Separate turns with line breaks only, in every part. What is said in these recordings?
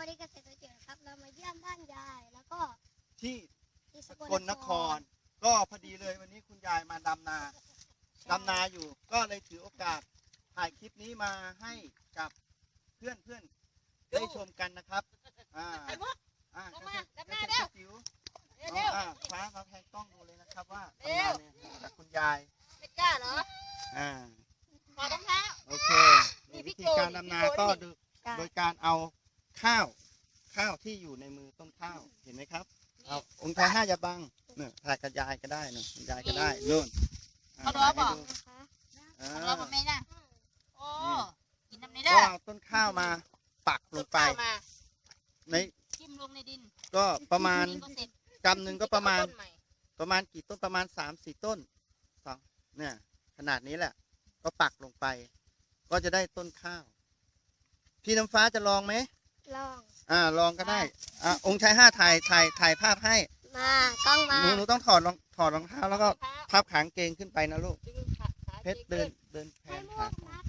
ดีเกษตรเจ๋งครับเรามาเยี่ยมบ้านยายแล้วก็
ที่ส
ส
กลนครก็พอดีเลยวันนี้คุณยายมาดำนาอยู่ก็เลยถือโอกาสถ่ายคลิปนี้มาให้กับเพื่อนได้ชมกันนะครับเกษตรจิ๋วฟ้ามาแพงต้องดูเลยนะครับว่าทำงานเนี่ยจากคุณยาย
ไม่กล้าเหรอขอรองเท้า
โอเควิธีการดำนาก็โดยการเอาข้าวที่อยู่ในมือต้นข้าวเห็นไหมครับเอาองค์ชาย5อย่าบังเนี่ยถ่ายกับยายก็ได้นะยายก็ได้นู่น
เขารอบอกเขารอบอกไม่นะโอ้กินน้ำในได้
ก็เอาต้นข้าวมาปักลงไปใน
จิ้มลงในดิน
ก็ประมาณกำหนึ่งก็ประมาณกี่ต้นประมาณ3-4 ต้นเนี่ยขนาดนี้แหละก็ปักลงไปก็จะได้ต้นข้าวพี่น้ำฟ้าจะลองไหม
ลอง
ลองก็ได้องค์ชาย5ถ่ายภาพให้
กล้องมา
หนูต้องถอดรองเท้าแล้วก็พับขางเกงขึ้นไปนะลูกเพชรเดินแผนขา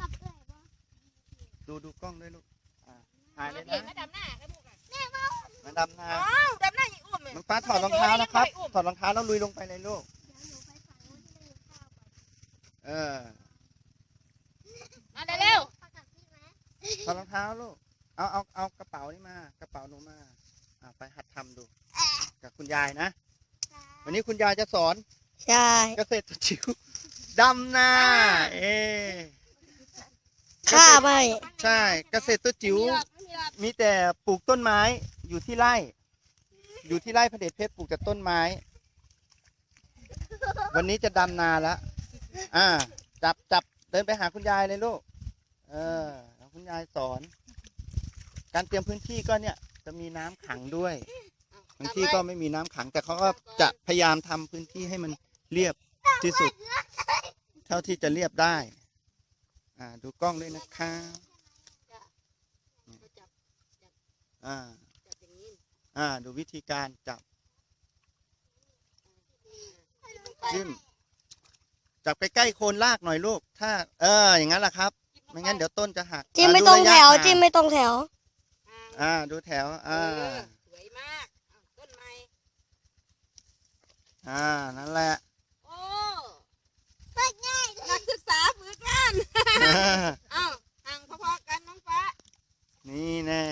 ดูกล้องด้วยลูกถ่ายเลยนะ
มาดำหน้า
มาดำนา
ดำหน้าอีกอุ้ม
น้องฟ้าถอดรองเท้านะครับถอดรองเท้าแล้วลุยลงไปเลยลูก
มาเร็ว
ถอดรองเท้าลูกเอากระเป๋านี่มากระเป๋าหนูมาไปหัดทำดูกับคุณยายนะวันนี้คุณยายจะสอน
ใช่
เกษตรจิ๋วดำนา
ข้าไม่
ใช่เกษตรจิ๋วมีแต่ปลูกต้นไม้อยู่ที่ไร่พระเดชเพชรปลูกแต่ต้นไม้วันนี้จะดำนาแล้วจับเดินไปหาคุณยายเลยลูกคุณยายสอนการเตรียมพื้นที่ก็เนี่ยจะมีน้ำขังด้วยบางที่ก็ไม่มีน้ำขังแต่เขาก็จะพยายามทำพื้นที่ให้มันเรียบที่สุดเท่าที่จะเรียบได้ดูกล้องด้วยนะคะดูวิธีการจับจิ้มจับไปใกล้โคนรากหน่อยลูกถ้าอย่างนั้นแหละครับไม่งั้นเดี๋ยวต้นจะหัก
จิ้มไม่ตรงแถวจิ้มไม่ตรงแถว
ดูแถว
สวยมากต้นไม้
นั่นแหละ
โอ้ง่ายนักศึกษาฝึกงานห่างพอๆกันน้องฟ้า
นี่แน่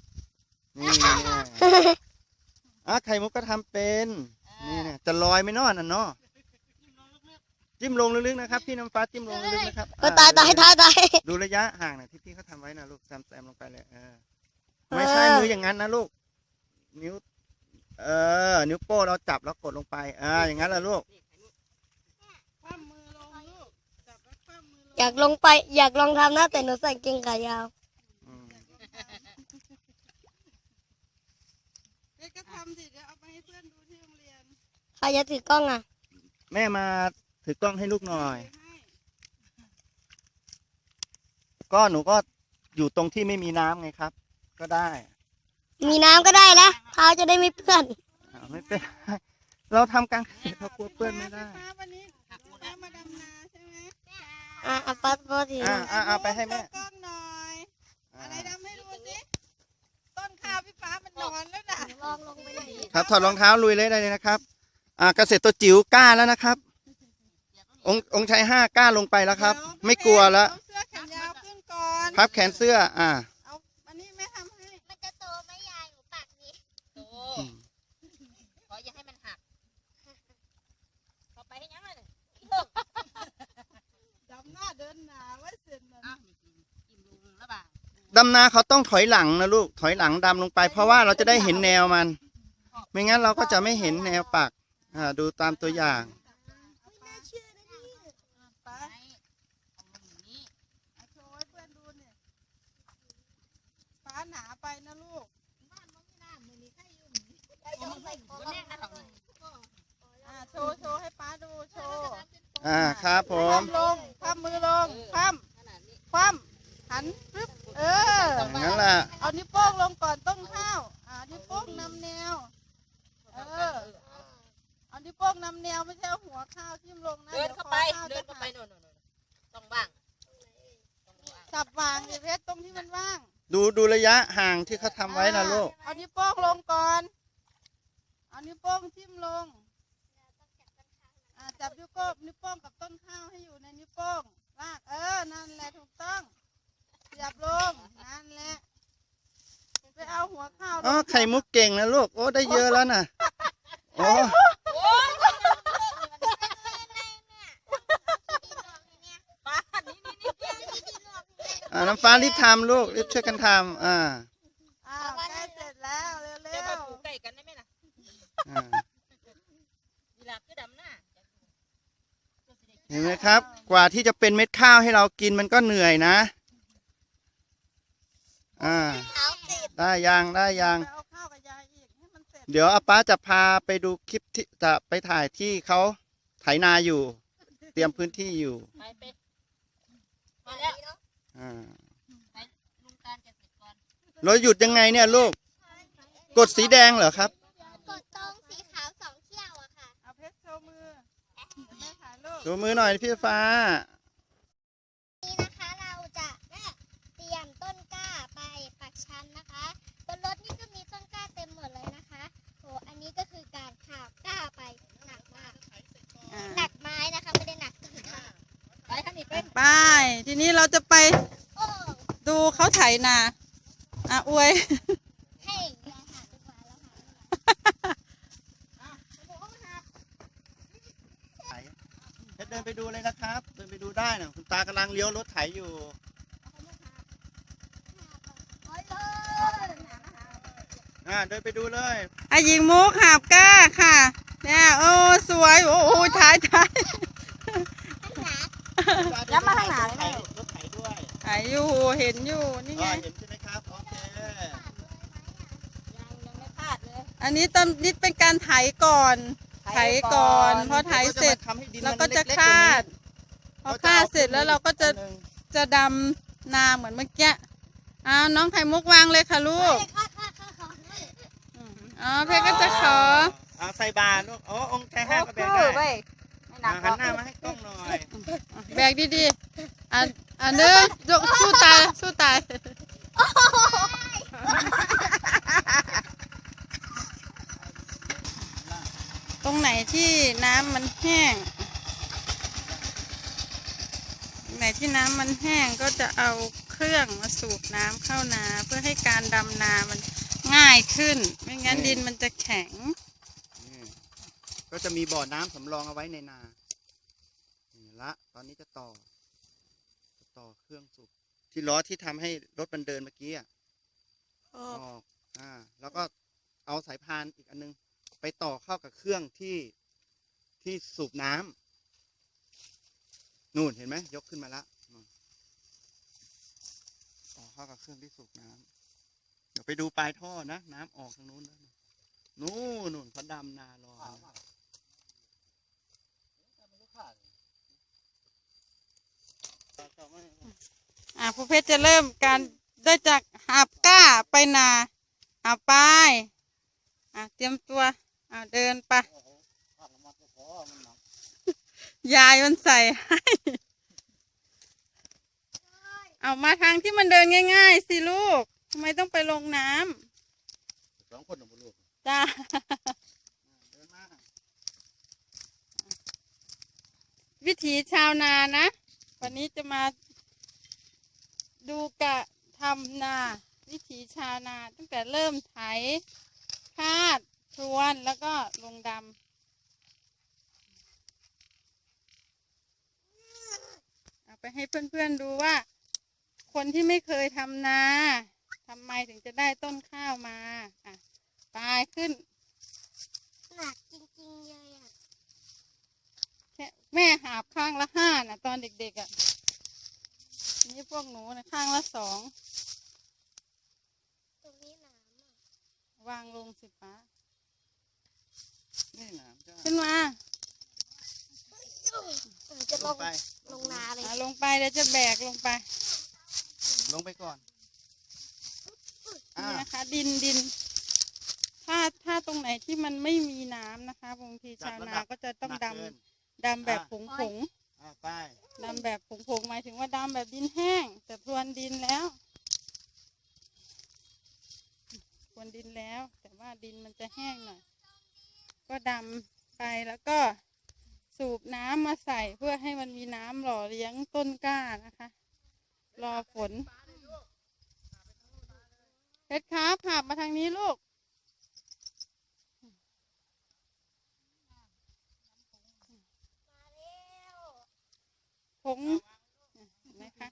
ไข่มุกก็ทำเป็นนี่เนี่ยจะลอยไม่นอนเนาะจิ้มลงลึกๆนะครับพี่น้ำฟ้าจิ้มลงลึกๆนะครับ
ตาย
ดูระยะห่างนะที่พี่เขาทำไว้นะลูกแซมลงไปเลยไม่ใช่มืออย่างนั้นนะลูกนิ้วโป้เราจับแล้วกดลงไปอย่างนั้นแหละลูก
อยากลองทำนะแต่หนูใส่เกงขายาว
ก็ทำสิเดี๋ยวเอาไปให้เพื่อนดูที่โรงเรียน
ใครจะถือกล้อง
แม่มาถือกล้องให้ลูกหน่อยก็หนูก็อยู่ตรงที่ไม่มีน้ำไงครับก็ได้
มีน้ำก็ได้แล้วเท้าจะได้ไม่เปื้อน
ไม่เป็นเราทำกลางเกษตรเรากลัวเปื้อนไม่ได้
วันนี้มาดำนาใช่ไหม
ปัดที
ไปให้แม่
กล้องหน่อยอะไรดำให้ดูสิต้นข้าวพี่ฟ้ามันนอนแล้วนะ
ลองลงไปเลย
ครับถอดรองเท้าลุยเลยได้เลยนะครับเกษตรจิ๋วกล้าแล้วนะครับองค์ชาย5กล้าลงไปแล้วครับไม่กลัวแล้ว
เสื้อแขนยาวขึ้นก่อน
พับแขนเสื้อ
เอาอันนี้แม่ทำให้
มันจะโตไหมยายหนูปักนี้
โตขออย่าให้มันหักขอไปให้ยังไงดำหน้าเดินหนาไว้เสร็จแล้ว
ดำนาเขาต้องถอยหลังนะลูกถอยหลังดำลงไปเพราะว่าเราจะได้เห็นแนวมันไม่งั้นเราก็จะไม่เห็นแนวปักดูตามตัวอย่าง
หนาไปนะลูกโชว์ให้ป้าดูโชว์
ครับผม
คว่ำมือลงคว่ำหันปึ๊บ
งั้นแหละ
เอานิ้วโป้งลงก่อนต้นข้าวนิ้วโป้งนำแนวเอานิ้วโป้งนำแนวไม่ใช่หัวข้าวทิ่มลงนะเดินเข้าไปโน่นต้องว่างจับวางเพชรตรงที่มันว่าง
ดูระยะห่างที่เขาทำไว้นะลูก
เอานิ้วโป้งลงก่อนเอานิ้วโป้งทิ่มลงจับนิ้วโป้งกับต้นข้าวให้อยู่ในนิ้วโป้งลากนั่นแหละถูกต้องเสียบลงนั่นแหละไปเอาหัวข้าว
อ๋อไข่มุกเก่งนะลูก โอ้ได้เยอะแล้วนะโอ้ น้ำฟ้ารีบทำลูกรีบช่วยกันทำ
อ้าวใกล้เสร็จแล้วเร็วๆใกล้กันได้ไหมล่ะ
เห็นไหมครับ กว่าที่จะเป็นเม็ดข้าวให้เรากินมันก็เหนื่อยนะได้ยัง
ไปเอาข้าวกับยายอีกให้มันเสร็จ
เดี๋ยวอาป้าจะพาไปดูคลิปที่จะไปถ่ายที่เขาไถนาอยู่ เตรียมพื้นที่อยู่
มาแล้ว
เราหยุดยังไงเนี่ยลูกกดสีแดงเหรอครับ
กดตรงสีขาว2เขี้ยวอะค่ะ
เอาเพชรโชว์มือแม่ถ่ายรูป
โชว์มือหน่อยพี่ฟ้า
นี่นะคะเราจะเตรียมต้นกล้าไปปักชันนะคะบนรถนี่ก็มีต้นกล้าเต็มหมดเลยนะคะโหอันนี้ก็คือการขาบกล้าไปหนักมากหนักไม้นะคะไม่ได้หนักต้นกล้า
ไปทีนี้เราจะไปดูเขาไถนาอวย
ให้ยายหาดีกว่าแล้ว
ค่ะเดินไปดูเลยนะครับเดินไปดูได้นะคุณตากำลังเลี้ยวรถไถอยู่เดินไปดูเลย
หญิงมุกหาบก้าค่ะเนี่ยโอ้สวยโอ้ถ่ายย้ำมาทางไหน
รถไถด้วย
ถ่ายอยู่เห็นอยู่นี่ไง
เห็นใช่ไหมครับโอเค
ยังไม่พลาดเลยอันนี้ต้นนิดเป็นการไถก่อนพอไถเสร็จเราก็จะคาดพอคาดเสร็จแล้วเราก็จะดำนาเหมือนเมื่อกี้น้องไข่มุกวางเลยค่ะลูกเพชรก็จะขอ
ใส่บาตรลูกองค์ชายห้าก็แบกได้หันหน้ามาให้กล้องหน่อย
แบกดีๆอันนึงสู้ตายตรงไหนที่น้ำมันแห้งก็จะเอาเครื่องมาสูบน้ำเข้านาเพื่อให้การดำนามันง่ายขึ้นไม่งั้นดินมันจะแข็ง
ก็จะมีบ่อน้ำสำรองเอาไว้ในนาละตอนนี้จะต่อเครื่องสูบที่ล้อที่ทำให้รถมันเดินเมื่อกี้ออกแล้วก็เอาสายพานอีกอันนึงไปต่อเข้ากับเครื่องที่สูบน้ำนู่นเห็นไหมยกขึ้นมาละต่อเข้ากับเครื่องที่สูบน้ำเดี๋ยวไปดูปลายท่อนะน้ำออกทางนู้นนู่นเขาดำนารอ
ผู้เพชรจะเริ่มการได้จากหาบก้าไปนาไปเตรียมตัวเดินไปยายมันใส่ให้เอามาทางที่มันเดินง่ายๆสิลูกทำไมต้องไปลงน้ำ
2 คนหรอลูก
จ้าวิถีชาวนานะวันนี้จะมาดูกะทำนาวิถีชาวนาตั้งแต่เริ่มไถคาดพรวนแล้วก็ลงดำเอาไปให้เพื่อนๆดูว่าคนที่ไม่เคยทำนาทำไมถึงจะได้ต้นข้าวมาตายขึ้น
หนักจริงๆเลย
แม่หาบข้างละ5นะตอนเด็กๆนี่พวกหนูนะข้างละ2
ตรงนี้น้
ำวางลงสิป้า
นี่น้ำ
ขึ้นมา
จะลงนาเลย
ลงไปเดี๋ยวจะแบกลงไป
ก่อน
นี่นะคะดินถ้าตรงไหนที่มันไม่มีน้ำนะคะบางทีชาวนาก็จะต้องดำแบบผงดำแบบผงหมายถึงว่าดำแบบดินแห้งแต่พรวนดินแล้ววนดินแล้ว แต่ว่าดินมันจะแห้งหน่อยก็ดำไปแล้วก็สูบน้ำมาใส่เพื่อให้มันมีน้ำหล่อเลี้ยงต้นกล้านะคะ รอฝนเพชรครับหาบมาทางนี้ลูกผงเห็นไหมคะ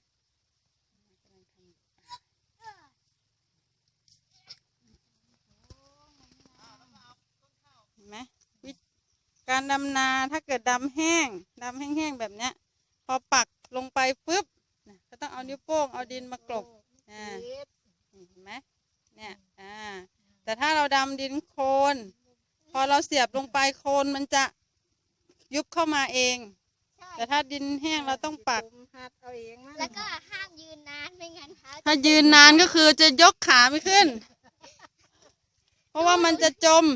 เห็นไหมการดำนาถ้าเกิดดำแห้งแบบเนี้ยพอปักลงไปปุ๊บก็ต้องเอานิ้วโป้งเอาดินมากลบเห็นไหมเนี่ยแต่ถ้าเราดำดินโคลนพอเราเสียบลงไปโคลนมันจะยุบเข้ามาเองแต่ถ้าดินแห้งเราต้องปัก
แล้วก็ห้ามยืนนานไม่งั้นเท้า
ถ้ายืนนานก็คือจะยกขาไม่ขึ้น เพราะว่ามันจะจม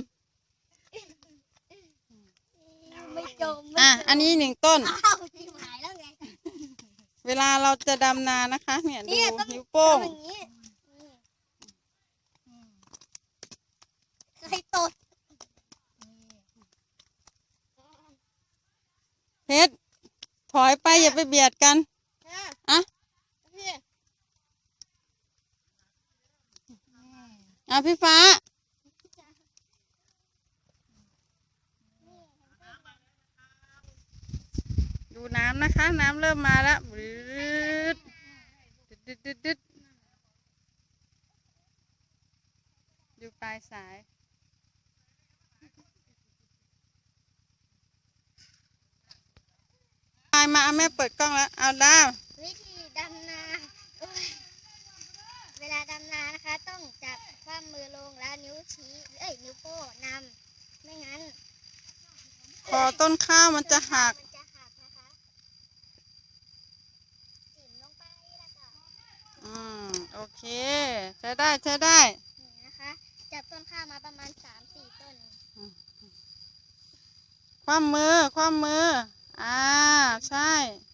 ไม่จม
อันนี้1 ต้น
อ้าวที่หายแล้วไง
เวลาเราจะดำนานะคะเนี่ยดู
ต้อง
นิ้วโป้ง
ทำอย่างนี้เคยตด
เพชรถอยไปอย่าไปเบียดกันพี่ฟ้าดูน้ำนะคะน้ำเริ่มมาแล้วดึดดูปลายสายมาแม่เปิดกล้องแล้วเอาดาว
วิธีดำนาเวลาดำนานะคะต้องจับข้อมือลงแล้วนิ้วชี้นิ้วโป้งนำไม่งั้น
พอต้นข้าวมันจะหัก
นะคะจิ้มลงไปแล้วก็
โอเคใช้ได้
นี่นะคะจับต้นข้าวมาประมาณ 3-4 ต้น
คว่ำมือใช่